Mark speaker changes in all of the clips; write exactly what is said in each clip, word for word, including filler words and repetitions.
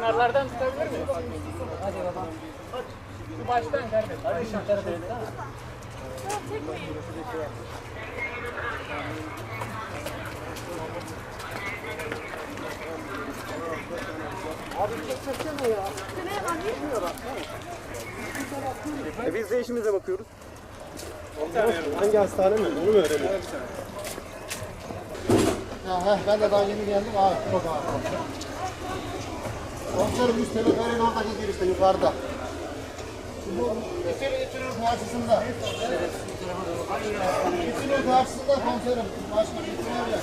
Speaker 1: Kenarlardan tutabilir miyiz? Hadi baba. Şu baştan kardeşim. Hadi şu tarafa. Abi çeksene ya.
Speaker 2: E biz de işimize bakıyoruz.
Speaker 3: Hangi hastane mi? Onu mu öğrenelim?
Speaker 4: Ya heh, ben de daha yeni geldim. Aa, çok ağır. Komiserim üst teleferin oradaki girişte yukarıda. Bu İçeri İçeri karşısında. İçeri karşısında komiserim. Başka bir şey yok.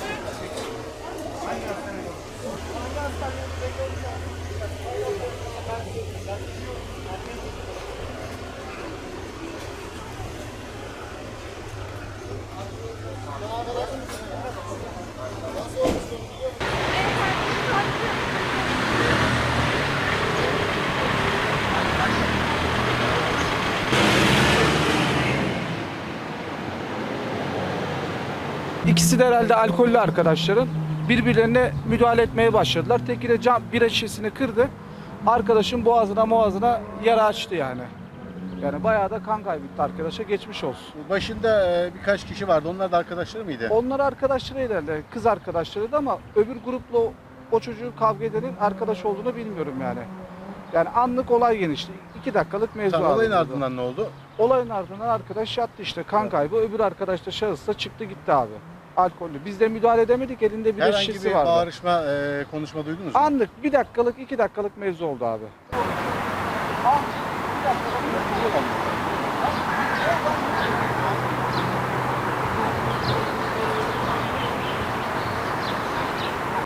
Speaker 5: İkisi de herhalde alkollü arkadaşların birbirlerine müdahale etmeye başladılar. Teki de cam bira şişesini kırdı. Arkadaşın boğazına boğazına yara açtı yani. Yani bayağı da kan kaybetti arkadaşa, geçmiş olsun.
Speaker 3: Başında e, birkaç kişi vardı. Onlar da arkadaşları mıydı?
Speaker 5: Onlar arkadaşlarıydı herhalde, kız arkadaşlarıydı ama öbür grupla o, o çocuğu kavga edenin arkadaş olduğunu bilmiyorum yani. Yani anlık olay genişti. İki dakikalık mevzu.
Speaker 3: Tam olayın
Speaker 5: alındı.
Speaker 3: ardından ne oldu?
Speaker 5: Olayın ardından arkadaş yattı işte, kan kaybı. Öbür arkadaş da şahıs da çıktı gitti abi. Alkollü. Biz de müdahale edemedik, elinde bir de
Speaker 3: Herhangi
Speaker 5: şişesi
Speaker 3: bir
Speaker 5: vardı.
Speaker 3: bağırışma, e, konuşma duydunuz mu?
Speaker 5: Anlık bir dakikalık, iki dakikalık mevzu oldu abi.